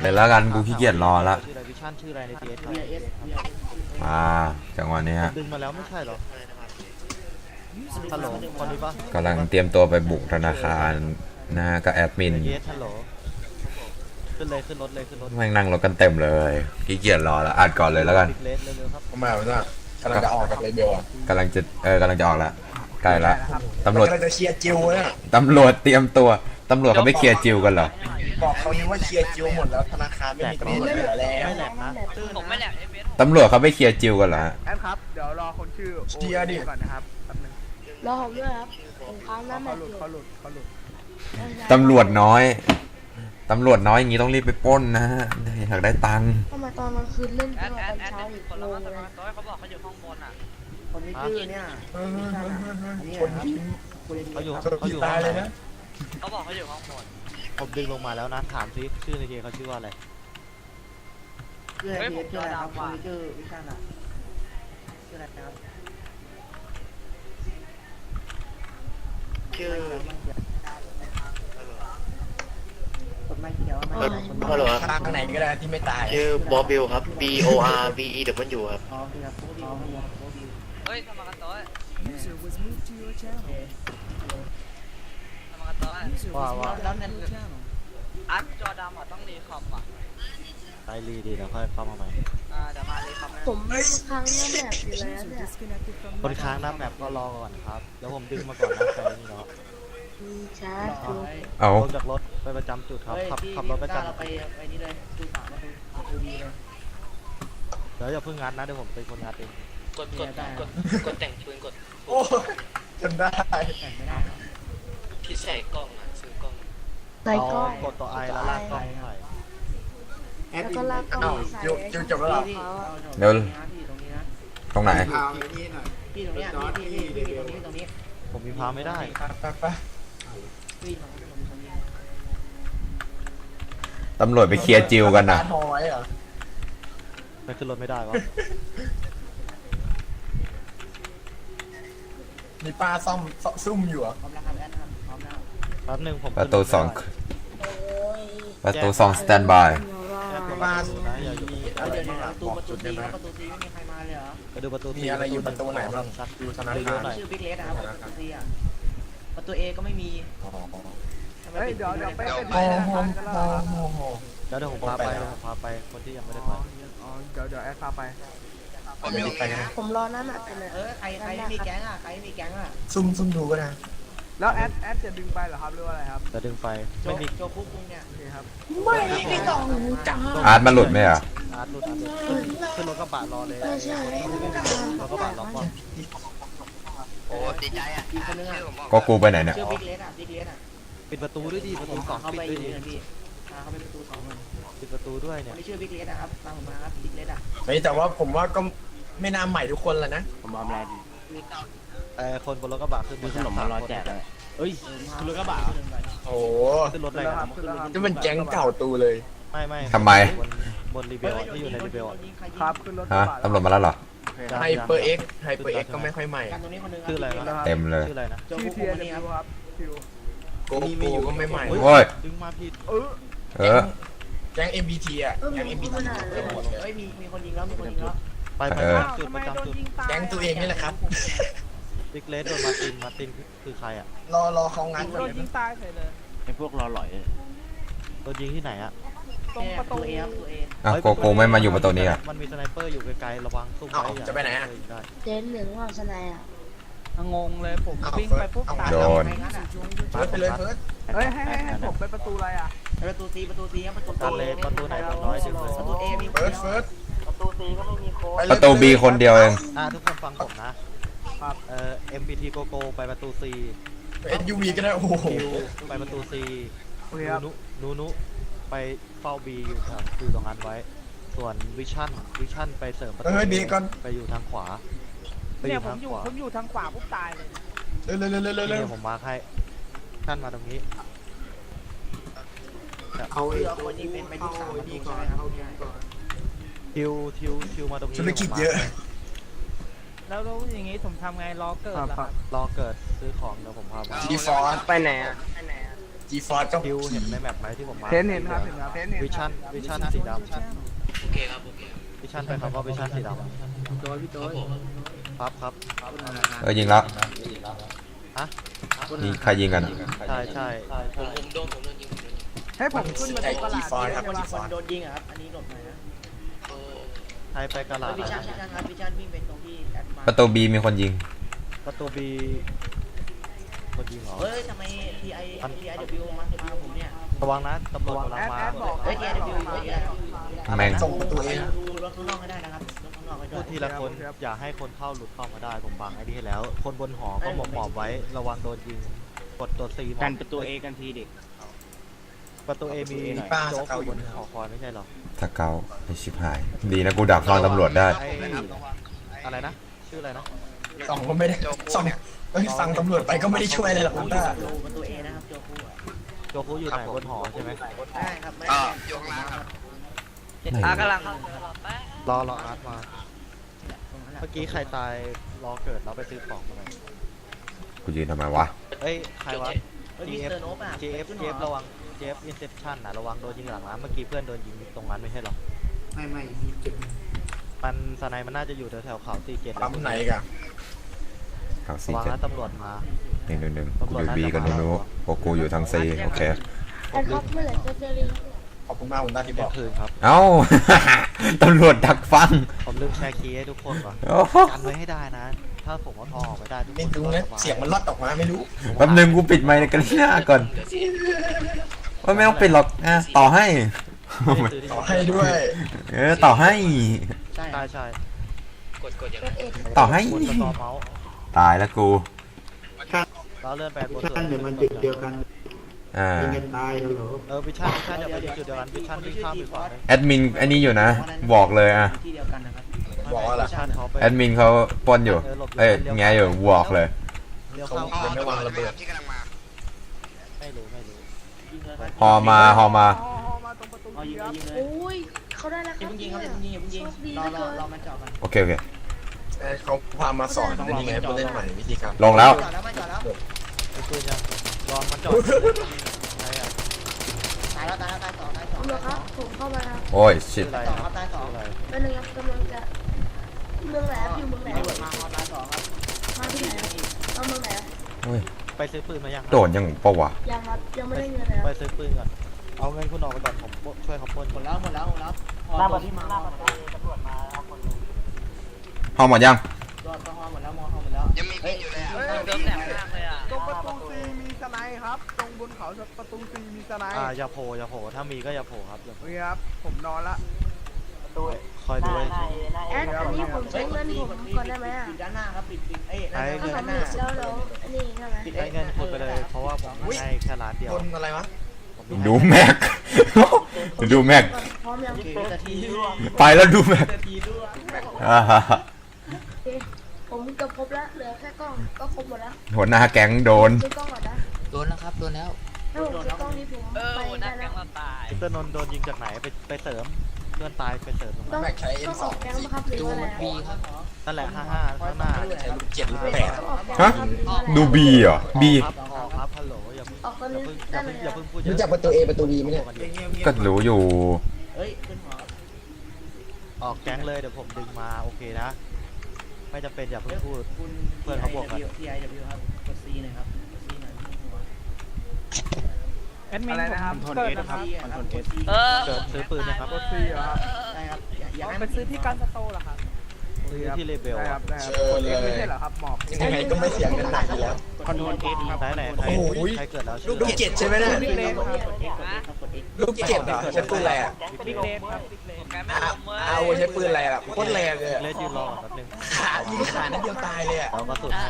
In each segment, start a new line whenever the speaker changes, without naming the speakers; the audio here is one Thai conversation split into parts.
เดี๋ยวแล้วกันกูขี้เกียจรอละ
ชื่ออะไรวิชั่นชื่ออะไรในทีเอสครับ
จังหวะนี้ฮะ
ดึงมาแล้วไม่ใช่หรอฮัลโหลคนนี้ปะ
กำลังเตรียมตัวไปบุกธนาคารนะฮะกับแอดมิน
เยสฮัลโหลขึ้นเลยขึ้นรถเลยขึ้นรถ
แม่งนั่งรถกันเต็มเลยขี้เกียจรอละอัดก่อนเลยแล้วกัน
เลสเร็วๆครับ
ทำไมวะเนี่ยกำลังจะออกกับเลเบลอ่ะ
กำลังจะออกละใกล้ละตำรวจ
กำลังจะเคลียร์จิวเนี่ย
ตำรวจเตรียมตัวตำรวจเขาไม่เคลียร์จิวกันเหรอ
บอกเขานี่ว่าเคลียร์จิวหมดแล้วธนาคารไม่มีตำรวจเหลือแล้ว
ไม่แหลกนะ
ผมไม่แหลกเอเอส
ตำรวจเขาไม่เคลียร์จิวกันเหรอฮะ
แอดครับ เดี๋ยวรอคนชื่อโอก่อนนะครับแป๊บนึง
รอผมด้วยครับผมค้างหน้าแม
เขา
ต
หลุด
อยู่
เขาหลุดเขาหลุด
ตำรวจน้อยอย่างนี้ต้องรีบไปปล้นนะฮะอยากได้ตังค์
ทำไมตอนกลางคืนเล่น
แอ
ต
ด
อน
แอดแอด
เช้าอีก
คน
โล
ละมาต
เล
ราย ต้อยเขาบอกเขาอยู่ข้างบนอ่ะ
คนที่ชื่อเนี่ย
คนที่
เขาอยู่
เขาอยู่ตายเลยนะ
เขาบอกเขาอยู่ข้างบน
ผมดึงลงมาแล้วนะถามซิชื่อในทีเขาชื่อว่าอะไร
ชื่ออะไรชื่ออะไรครับคนที่ชื่อวิชาน่ะชื่ออะไรครับชื่อคนไม่เขียวไม่
ฮัลโหลตางไหนก็ได้ที่ไม่ตาย
ชื่อบอบิลครับ B O R B E W ครับ
อ๋อครับอ๋อ
เฮ้ยทำมากันต้อยทำมากันต้อย
ว่า
แล้วนั่น
อัดจอดำอ่ะต้องรีคอมอ่ะ
ไอรีดีแล้วค่อยเข้ามาใหม่
เดี๋ยวมารีคอมนะ
ผมค้างหน้าแมตอยู่แล้วเนี่ย
คนค้างหน้าแมปก็รอก่อนครับแล้วผมดึงมาก่อนนะไปนี่เนาะ
มีชาร์จอยู่
เอา
ลงจากรถไปประจำจุดครับขับรถประจำ
เราไปนี่เลยดูสามประตูดีเลย
เดี๋ยวอย่าเพิ่งงัดนะเดี๋ยวผมเป็นคนงัดเอง
กดแต่งปืนกด
โอ้จำได้
ไม่ได้ครับ
ที่ใส่กล้องอ่ะซื้อกล้อง
ใส่กล้อง
กดตัวไอแล้วลากกล้องใส่
แล้วก็ลากกล้องใส่
จิวจบแล้วเหรอ
เดี๋ยว
ที่ตรงนี้นะ
ตรงไหน
ที่ตรงนี้ที่ตรงนี้
ผมมีพาไม่ได้
ไป
ที่ตรงนี้
ตำรวจไปเคลียร์จิวกันนะ
ทอไว้เหรอ
ไปขึ้นรถไม่ได้วะ
มีป้าซ่อมซุ่มอยู่เหรอ
พร้อมแล้วครับแอนครับพร้อมแล้ว
แป๊บนึงผม
ประตูสอง
โอ้ย
สแตนบาย
ป้า
นะอย่าอยู่
เดี๋ยวประตูซีไม่มีใครมาเลยเหรอ
ไปดูประตู
มีอะไรอยู่ประตูไหนบ้าง
สัก
ดูธนา
เย
คา
อะ
ร
ๆหน่อย
ชื่อบิ๊กเลสนะครับประตูซีอ่ะประตูเอก็ไม่มี
เฮ้ยเดี๋ยวไป
โอ้โห
กันแล้ว
โอ้โห
แล้วเดี๋ยวผมพาไปคนที่ยังไม่ได้ไป
อ๋อเดี๋ยวแอดพาไป
ไม่ได้ไปนะ
ผมรอหน้าแมตอยู่เลย
ใครไม่มีแก๊งอ่ะใครไม่มีแก๊งอ่ะ
ซุ่มดูก็ได้
แล้วแอดจะดึงไปเหรอครับหรือว่าอะไรครับ
จะดึงไฟไม่มี
โจคุกเนี่ย
โอเคครับ
ไม่ต้องจ้า
อาร์ตมันหลุดไหมอ่ะ
อาร์ตหลุดขึ้นรถกระบะรอเลย
ไม่ใช่
รถกระบะรอก่อน
โอ้ดีใจอ่ะ
อีกคนนึงอ่ะ
ก็กูไปไหนเนี่ย
ชื่อบิ๊กเลสอ่ะบิ๊กเลสอ่ะ
ปิดประตูด้วยดิประตูสอง
เข้า
ปิด
ไป
ด้วย
อยู่
ดิ
เลยพี่เข้าไปประตู2มัน
ปิดประตูด้วย
ค
เนี่ย
นที่ชื่อบิ๊กเลสนะครับตามผมมาครับบิ๊กเลสอ่ะ
เฮ้ยแต่ว่าผมว่าก็ไม่น่าใหม่ทุกคนแล้วนะผมออมแรงดี
คนบนรถกระบะขึ้นมีขนมมารอแจกเลยเอ้ยขึ้นรถกระบะ
โอ้โห
ขึ้นรถอะไร
แล้วค
กั
รั
น
บขึ้นแล้วครับ
จะเป็นแก๊งเก่าตูเลย
ไม่
ทำไม
บนรีเบลที่อยู่ในรีเบล
ครับขึ้นรถ
ฮะตำรวจมาแล้วเหรอ
ไฮเปอร์เอ็กก็ไม่ค่อยใหม่
การตรงนี้คนนึง
ชื่ออะไรนะ
เต็มเลย
ชื่ออะไรนะ
โจ
ชื่
คุ
อก เทีย
คน
น
นี้ครับ
ครับคิว
โกโก้ก็ไม่ใหม่
โอ้ย
ดึงมาผิด
เออ
เออ
แก๊ง MBT อ่ะแก๊ง MBT
เฮ้ยมีคนยิงแล้วมีคนยิงแล้ว
ไป
เออ
จุดประจำจุด
แก๊งตัวเองนี่แหละครับ
บิ๊กเลสโดนมาตินคือใครอ่ะ
รอเขางัด
โดนยิงตายเลย
ไอพวกรอหล่อยโดนยิงที่ไหนอ่ะ
ตรงประตู
เอครับตัวเอ
อ่ะโกโก้ไม่มาอยู่ประตูนี้อ่ะ
มันมีสไนเปอร์อยู่ไกลๆระวังซุ่มไว้
จะไปไหนอ่ะ
ได้
เจนหนึ่งว่าสนายอ่ะ
งงเลยผมวิ่งไปปุ๊บตาย
โดน
เฟิร์สไปเลยเฟิร์ส
เฮ้ยให้ผมไปประตูอะไรอ่ะ
ประตูซีครับประตู
ตัดเลยประตูไหนประตูน้อยดึงเลย
ประตูเอมี
เฟิร์ส
ประตูซีก็ไม่มีโค้ด
ประตูบีคนเดียวเอง
ทุกคนฟังผมนะ MBT Go Go ไปประตู C
SUV ก็ได้โอ้โห
คิวไปประตู C
โอเคครับ
นูไปเฝ้า B อยู่ครับคือตรงนั้นไว้ ส่วนวิชั่นไปเสริมประตู
ดีก่อน
ไปอยู่ทางขวาไปอ
เนี่ย
ยู่
ผ
ทาม งขวา
อยู่ทางขวาปุ๊บตายเลย
เร็ว
นี่ผมมาร์คให้ท่านมาตรงนี้
เอาเรือคนยิงเป็นไปที่3ประตูใช่ไหมครับ
ทิวมาตรงนี้
ธุรกิจเยอะ
แล้วอย่างงี้ผมทำไงรอเกิดเหรอครับ
รอเกิดซื้อของเดี๋ยวผมพาไป
ทีฟอร์ไปไหนอ่ะจีฟอร์ก็
ดิวเห็นในแมปไหมที่ผมมา
เห็นครับ
วิชั่นสีดำ
โอเคครับโอเค
วิชั่นไปครับว่าวิชั่นสีดำ
พี่โต้ย
ครับ
ยิงแล้ว
ฮะ
นี่ใครยิงกันอะ
ใช่
ผมโดนยิง
ให้ผมขึ้นมาตรงกระดาษ
จีฟอร์ครับจีฟอ
คน
ร์
โดนยิงอะครับ อันนี้หลบหน่อยนะ
ใครไปกระลาด
วิชันครับวิชันวิ่งเป็นตรงที่แอดมา
ประตูบีมีคนยิง
ประตูบีคนยิงเหรอ
เฮ้ยทำไม TIW มาผมเนี่ย
ระวังนะตำรวจกำลัง
แอด
มา
แอดบอก
เฮ้ย TIW อยู่
แม่ง
ส่งประตูเอง
ดูรถข้างนอกให้ได้นะครับรถข้างนอกให้ด้
พู
ว
ด
ย
ทีละคนอย่าให้คนเข้าหลุดเข้ามาได้ผมฟังไอ้นี่ให้แล้ว คนบนหอก็หมอบไว้ระวังโดนยิงกดตัวซี
กันประตูเอกันทีเด็ก
ประตูเอมี
มีป้า
โจ๊
ส
ก
เกา
อ
อยู่
ยู่บนหอคอยไม่ใช่หรอ
ถ้าเกาไอชิบหาย ดีนะกูดักฟังตำรวจได้
ไอ้อะไรนะชื่ออะไรนะ
ส่องก็ไม่ได้ส่องเฮ้ยฟังตำรวจไปก็ไม่ได้ช่วยอะไรหรอก
โอ้
คุณ
ย
ป้า
ดูประตู A นะครับโจคูอะ
โจคุอยู่ไหนบนหอใช่ไหม
ได้ครับไม่
ยกล้างครับ
กำลังเข้าไปรอแป๊บ
รออาร์ตมาเมื่อกี้ใครตายรอเกิดเราไปซื้อของมาหน่อย
กูยืนทำไมวะ
เอ้ยใครวะ
เฮ้ยมิสเตอร์โนบอะ
JF ระวัง JF Inception นะระวังโดนยิงหลังนะเมื่อกี้เพื่อนโดนยิงตรงนั้นไม่ใช่หรอ
ไม่
มันสไนมันน่าจะอยู่แถวๆเขาตีเกต
ปั๊มไหนกัน
ข่าว
ระ
ซี
วัง
เจ็ด
นะตำรวจมา
หนึ่งกูอยู่บีกับนูพวกกูอยู่ทางซีโอเค
แอดครับเมื่อไหร่จะเจอรี
ขอบคุณมากคุณป้าที่บ
เที่ย
อง ก
คืนครับ
เอ้า ตำรวจดักฟัง
ผมลืมแชร์คีย์ให้ทุกคนก่อน
โอ้โห
กันไว้ให้ได้นะ ถ้าผมเอาทองออกไปได้ทุกคน
ไม่รู้นะเสียงมันลอดออกมาไม่รู้
แป๊บนึงกูปิดไมค์ในกระหน้าก่อนว่าไม่ต้องปิดหรอกอ่ะต่อให้
ต่อให้ด้วย
ต่อให้
ใช่
ใช่
กดอย่าง
เปิดเอ็ด
ต่อให้
บนสตอร์เมาส์
ตายแล้วกู
เราเลื่อนไปบนสุด
เดี๋ยวมันจุดเดียวกัน
อ่า
ตายแล้วเหรอ
วิชั่นอย่าไปจุดเดียวกันวิชั่นวิ่งข้ามไปฝั่งนึง
แอดมินอันนี้อยู่นะ บอกเลยอ่ะ
ที่เดียวกันนะครับ
บอกว่าอะไร
วิชั่นเขาไป
แอดมินเขาปล้นอยู่ เอ้ยแงอยู่บอกเลย
เลี้ยว
เขา
เข้า
ยังไม่วางระเบิด
ที่กำลังมา
ไม่รู้
ยิงเลย
ฮอมา
ฮอมาตรงประตู
เอายิง
ค
เล
รับ
ยยิงเลย
โอ้ยเขาได้แล้วค
อย่า
รับ
เพิ่งยิงครับอย่าเพิ่งยิงอย่าเพิ่งยิง
โชคดี
รอ
เหลือ
ร
เกิ
อน รอมันเจาะกัน
โอเค
เขาพามาสอนเป็นยังไงผู้เล่นใหม่วิธีการ
ลงแล้ว
จอดแล้วไม่จอดแล้ว
ไปปืนยังลองมันจอดใช่อะ
ตายแล้วตายสอง
ตำรวจครับผมเข้ามาครับ
โอ้ยชิ
ชื่
ด
ออะไร
สอง
ค
ค
รั
รั
บบ
ตายสอง
ชื่ออะไร
เป็นหนึ่งครับกำลังจะเมืองไหนครับอยู่เมืองไหน
ตำรวจมาตายสองครับ
มาที่ไหนครับเอาเมืองไหนครับ
โอ้ย
ไปซื้อปืนมายังครับ
โดดยังปะวะ
ยังครับยังไม่ได้เงินเลยค
ไป
รับ
ซื้อปืนก่อนเอาเงินคุณออกไปก่อนผมช่วยเขาปล้น
หมดแล้วพอตัวที่มา
ห้องหมดยัง
รอดก็ฮอหมดแล้วหมดแล้ว
ยังมีอยู่เลย
เดิมแหลมมากเลยอ่ะ
ตรงประตูซีมีสไนด์ครับ ตรงบนเขาประตูซีมีสไนด์
อย่าโผล่ถ้ามีก็อย่าโผล่ครับอย่าโผล่
นี่ครับ ผมนอนละ
คอยดูไว้สิ
แอดอันนี้ผมใช้เงินผมก่อนได้ไหมอ่ะ
ปิดด้านหน้าครับปิดเอ้ย
ถ้า
ด้าน
สำ
ห
เร็
น้า
จแล้วอันนี้ใช่ไหม
ได้เงินคุณไปเลยเพราะว่าผมให้แค่ร้านเดียว
คนอะไรวะ
ดูแม็ก ดูแม็ก
พร้อมยัง
นาทีด้วย
ไปแล้วดูแม็ก
นาทีด้วย
อ่าฮะ
โอเคผมเกือบครบแล้วเหลือแค่กล้องก็ครบหมดแล้ว
หัวหน้าแก๊งโดน
ซื้อกล้องก่อนนะ
โดนแล้วครับ โดนแล้ว
ถ้าผมซื้อกล้องนี้ผม
เออ
ไป
หัวหน้า
ได้
แก๊
แล้
ง
ว
เราตาย
มิสเตอร์นนท์โดนยิงจากไหนไปเสริมเพื่อนตายไปเสริมตรง
ต้
นั้
อน ง
แม็กใช้
ต้องอ
M2
อกแก๊งปะครับหรือว่าอะไร
บีครับ
นั่นแหละ55ข้างหน้า
ใช้ลูกเจ็ดลูกแปด
ต้องออกแก๊ง
ฮะ
ปะครับหรือว่าอะไร
ดูบีเหรอบี
ครับครับฮัลโหลอย่า
ออกคนนึง
เพิ่ง
ได้เลย
อย่า
อะ
เพิ่งพูดเยอะ
รู้จักประตู A ประตู B ไหมเนี่ย
ก็รู้อยู่
เฮ้ยขึ้นหอ
ออกแก๊งเลยเดี๋ยวผมดึงมาโอเคนะ ไม่จำเป็นอย่าเพิ่งพูด
คุณ TIW ครับกด C หน่อยครับกด C หน่อยหัว
แอดมินนะครับเกิดนะครับ
กด C
เออ
เกิดซื้อปืนนะครับ
รถซีเหรอครับ
ใช่ครับอย่าให้
ไปซื้อที่การสโตร์เหรอครับ
ซื้อที่เลเบล
ได้ค
อะ
รับได้ครับกดเอ็กไม่ใช่เหรอครับหมอบ
ยังไงก็ไม่เสียงกันหนักอยู่แล้ว
คอนโทรล X ครับ
ไหนใคร
โอ้โห
ใครเกิดแล้ว
ลูกเจ็ดใช่ไหมเนี่ย
กด X ครับกด X
ลูกเจ็ดเหรอใช้ปืนอะไรอ่ะ
บิ๊กเลนครับบิ๊กเลน
แกไม่ลงเว้ย
เอาใช้ปืนอะไรล่ะโคตรแรงเลย
เล่นยืนรอก่อนแป๊บนึง
ขายิงขานัดเดียวตายเลยอ่ะ
เราก็สุดให้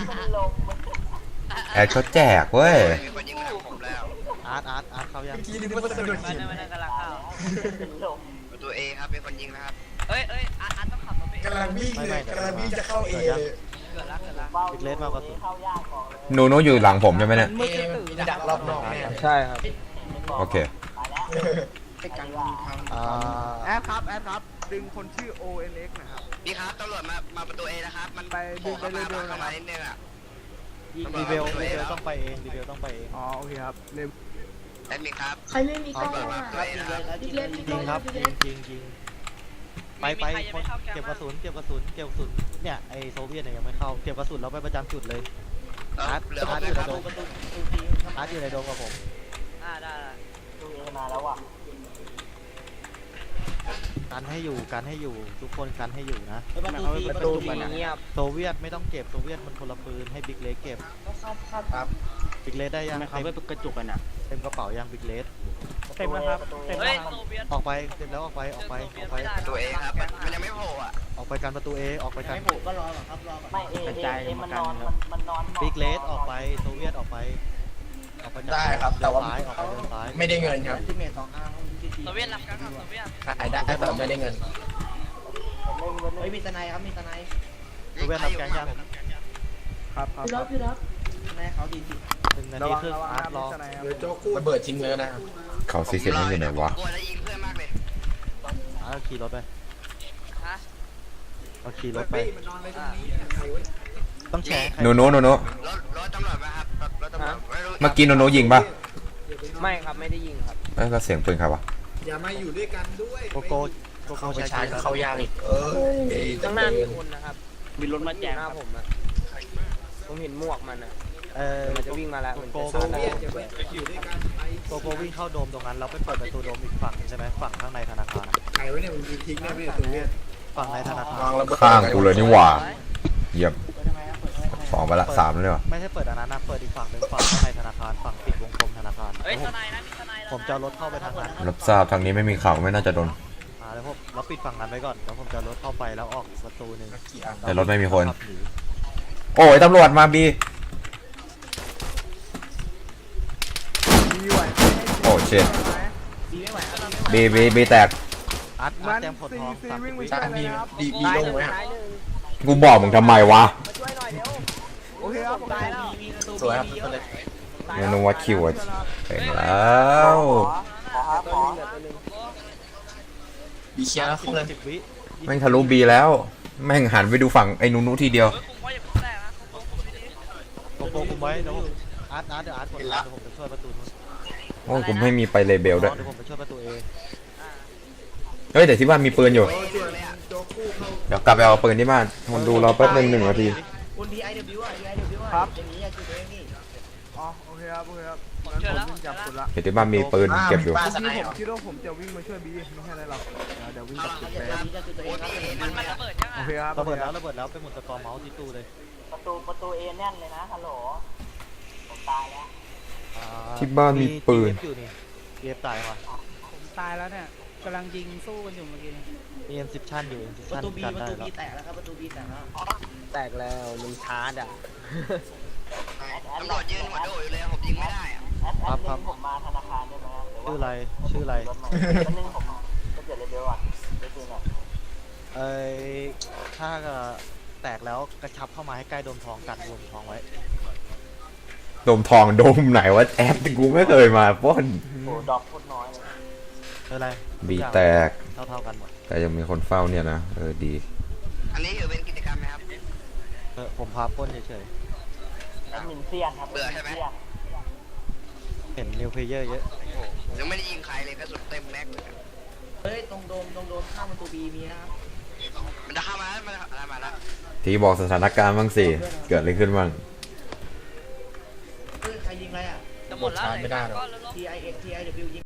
แอดเขาแจกเว้ย
มีคนยิงมาทางผมแล้ว
อาร์ตเข้ายัง
เมื่อกี้นึกว่าสะดุด
ไม่
หิน
ได้กำลังเข้า
ประตูเอครับเป็นคนยิงนะครับ
เอ้ยอาร์ตต้องขับรถไปเอง
กำลังวิ่งเลยกำลังวิ่งจะเข้า A เลย
เกิดละ
บิ๊กเลสมากกว่าสุด
หนูอยู่หลังผมใช่ไหมเนี่ย
A มันมีดักรอบนอกแน่เลย
ใช่ครับ
โอเค
แอดครับ ดึงคนชื่อ ONX นะครับ
พี่ครับตำรวจมาประตูเอนะครับ มัน
ไปดึงไปเร็วๆ
เข้า
นะค
มา
รับ
นิดนึงอ่ะ
ดีเบลต้องไปเองดีเบลต้องไปเอง
อ๋อโอเคครับเร็ว
แอดมินครับ
ใครไม่มีกล้องอ่ะ
ครับยิงเลยครับ
บิ๊
ยิ
ก
ง
เล็
เลย
กมีก
ยิ
ล้อง ง
ครับ
บิ๊ก
ยิ
เล็
ง
ก
ยิงไปคนเก็บกระสุนเนี่ยไอโซเวียตเนี่ยยังไม่เข้าเก็บกระสุนแล้วไปประจำจุดเลย อาร์ต
เหลือ
อาร์ต
ผม
อยู่ใน
ครับ
โดม
ประตูที
อาร์ตอยู่ในโดมกับผม
ได้
ประตูเอมาแล้วว่ะ
กันให้อยู่ทุกคนกันให้อยู่นะ
ประตูทีประตูทีเงียบ
โซเวียตไม่ต้องเก็บโซเวียตมันคนละปืนให้บิ๊กเลสเก็บ
ครับ
บิ๊กเลสได้ยัง
ทำไมเขาไม่กระจุกกันอ่ะ
เต็มกระเป๋ายังบิ๊กเลส
เต็มแล้วครับเต็ม
เฮ้
แล้
ยว
ครับ
โซเวียต
ออกไปเต็มแล้วออกไป
ตัวเอครับมันยังไม่โผล่อ่ะ
ออกไปกันประตูเอออกไปกัน
ไม่ผูกก็รอก่อนครับรอก่อนไม่เอมันนอนมันนอน
บิ๊กเลสออกไปโซเวียตออกไปจาก
ได้ครับแต่ว่า
เดินซ้าย
ไม่ได้เงินครับ
ที่เมท2 5
โซเวียตรับกันครับโซเวียต
ขายได้แต่ไม่ได้เงิน
เฮ้ยมีสไนครับมีสไน
โซเวียตรับแกงยัง
ครับครับ
พี่รับพี่รับ
สไนเขาดีจริง
1 นา
ระ
ที
วัง
ครึ่ง
ระวัง
อาร์ต
นะ
รอ
พิจารณาครับ
ระเบิดทิ้งเลยนะครับ
เขาซีเซ็ตนี่อยู่ไหนวะ
กลัวแล้วยิงเพื่อนมากเลย
อาร์ตขี่รถไป
ฮะ
เอาขี่รถไป
อ่า
ต้องแชร์
โนโน
รถตำรวจมาครับรถตำรวจไม่รู้
เมื่อกี้โนโนยิงปะ
ไม่ครับไม่ได้ยิงครับ
เอ้ยก็เสียงปืนครับวะ
โกโก้โกโก้
เข้าไป
ใช้
ชาร์จก็เข้ายากอีกจะ
ข้างหน้า
เดิ
มี
น
คนนะครับ มีรถมาแจกหน้าผมอะผมเห็นหมวกมันอะ มันจะวิ่งมาแล้วมันจะชาร์จแล้ว
โกโก้วิ่งเข้าโดมตรงนั้นแล้วไปเปิดประตูโดมอีกฝั่งใช่ไหมฝั่งข้างในธนาคารอะ
ใครวะเนี่ยมันทิ้งได้ไหมตัวเนี้ย
ฝั่งในธนาคาร
วางระเบิด
ข้างกูเลยนี่หว่าเยี่ยม
เปิดทำไมครับเปิดทำไม
สองไปละสามแล้วเนี่ยวะ
ไม่ใช่เปิดอันนั้นนะเปิดอีกฝั่งหนึ่งฝั่งข้างในธนาคารฝั่งปิดวงกลมธนาคาร
เฮ้ย
แล้ว
ทนายนะมีทนายแล้ว
ผมจะเอารถเข้าไปทางนั้น
รับทราบทางนี้ไม่มีข่าวไม่น่าจะโดน
แล้วพวกเราปิดฝั่งนั้นไว้ก่อนแล้วผมจะเอารถเข้าไปแล้วออกอีกประตูหนึ่ง
กี่อัน
แต่รถไม่มีคน
ขับหนี
โอ้ยตำรวจมาบี
ดีไหว
โอ้เชิด
ดีไม่ไหวครับดีไม่ไหว
บีแตก
อาร์ต
มัน
เต็มผล
ซี
ทอง
ซี
สาม
วิ่งไป
วิ
ช่วย
ตา
เลย
ดี
ครับ
ดีลงไหมฮะ
กูบอกมึงทำไมวะ
โอเคครับผม
ตายแล้วมีประตู
สวยครับตัวเล็ก
โนโนวัดคิวอะเต็มแล้ว
บีเคลียร์แล้วเข้าเลย
10 วิ
แม่งทะลุบีแล้ว แม่งหันไปดูฝั่งไอ้นูนูทีเดียว
เฮ้ยคุมไว้อย่าเพิ่งแตกนะคุมดี
โกโก้คุมไว้เดี๋ยวอาร์ตเดี๋ยวอาร์ตกดเดี๋ยวผมจะช่วยประตูนู้น
โอ้ยกูไม่มีไปเลเบลด้วย
เดี๋ยวผมไปช่วยประตูเอ
เฮ้ยแต่ที่บ้านมีปืนอยู่ เดี๋ยวกลับไปเอาปืนที่บ้านคนดูรอแป๊บนึง1 นาที
คุณ DIW อ่ะ DIW อ่ะอย่างนี้อ่ะคือตัวเองนี่
อ๋อโอเคครับโอเคครับงั้นผมวิ่งจับคุณละ
เดี๋ยวที่บ้านมีปืนเก็บอยู่
ป้าส
เมื่อ
ไน
กี้
เห
ผ
ร
ม
อ
คิดว่าผมจะวิ่งมาช่วยบีไม่ใช่อะไรหรอกเดี๋ยววิ่งกลับจุด
อ
เลย
ย่างนี้ก็คือตัวเองครับ
ๆมันระเบิดยัง
โอ
อ่ะ
เคครับ
ระเบิดแล้วไปหมุนสกอร์เมาส์ที่ตู้เลย
ประตูเอแน่นเลยนะฮัลโหลผมตายแล้ว
ที่บ้านมีปืน
GF อยู่นี่เกฟตายว่ะ
ผมตายแล้วเนี่ยกำลังยิงสู้กันอยู่เมื่อกี้
มีเอ็มซิปชั่นอยู่
ประตูบี
กัน
ประ
ได้
ตู
แล้ว
บีแตกแล้วครับประตูบีแตกแล้ว
แตกแล้วมันชาร์จอ่ะ
ตำรวจยืนหัวโดดอยู่เลยผมยิงไม่ได้อะ
ครับ
ผมมาธนาคารได้ไหม
ชื่ออะไร
วันนึงผมจะเปลี่ยนเลเวลอ่ะได้จริงอ่ะ
ถ้าแตกแล้วกระชับเข้ามาให้ใกล้โดมทองกัดโดมทองไว้
โดมทองโดมไหนวะแอปกูไม่เคยมาป้น
โอ้ดอกโคตรน้อยเลย
อะไร
บีแตก
เท่ากันหมด
แต่ยังมีคนเฝ้าเนี่ยนะดี
อันนี้ถือเป็นกิจกรรมไหมครับ
ผมพาปล้นเฉย
แอดมินเซียนครับ
ๆเห็นนิวเพลเยอร์เยอะ
ยังไม่ได้ยิงใครเลยกระสุนเต็มแม็กเลย
เฮ้ยตรงโดมข้ามประตูบีมีนะครับ
มันจะเข้ามาแล้วมันจะมาแล้ว
ที่บอกสถานการณ์บ้างสิ เกิดอะไรขึ้นบ้าง
เฮ้ยใครยิงอะไรอ่ะ
จะหมดแล้ว
ชาร์จไม่ได้หรอก
ก็แล้ว
TIW ยิง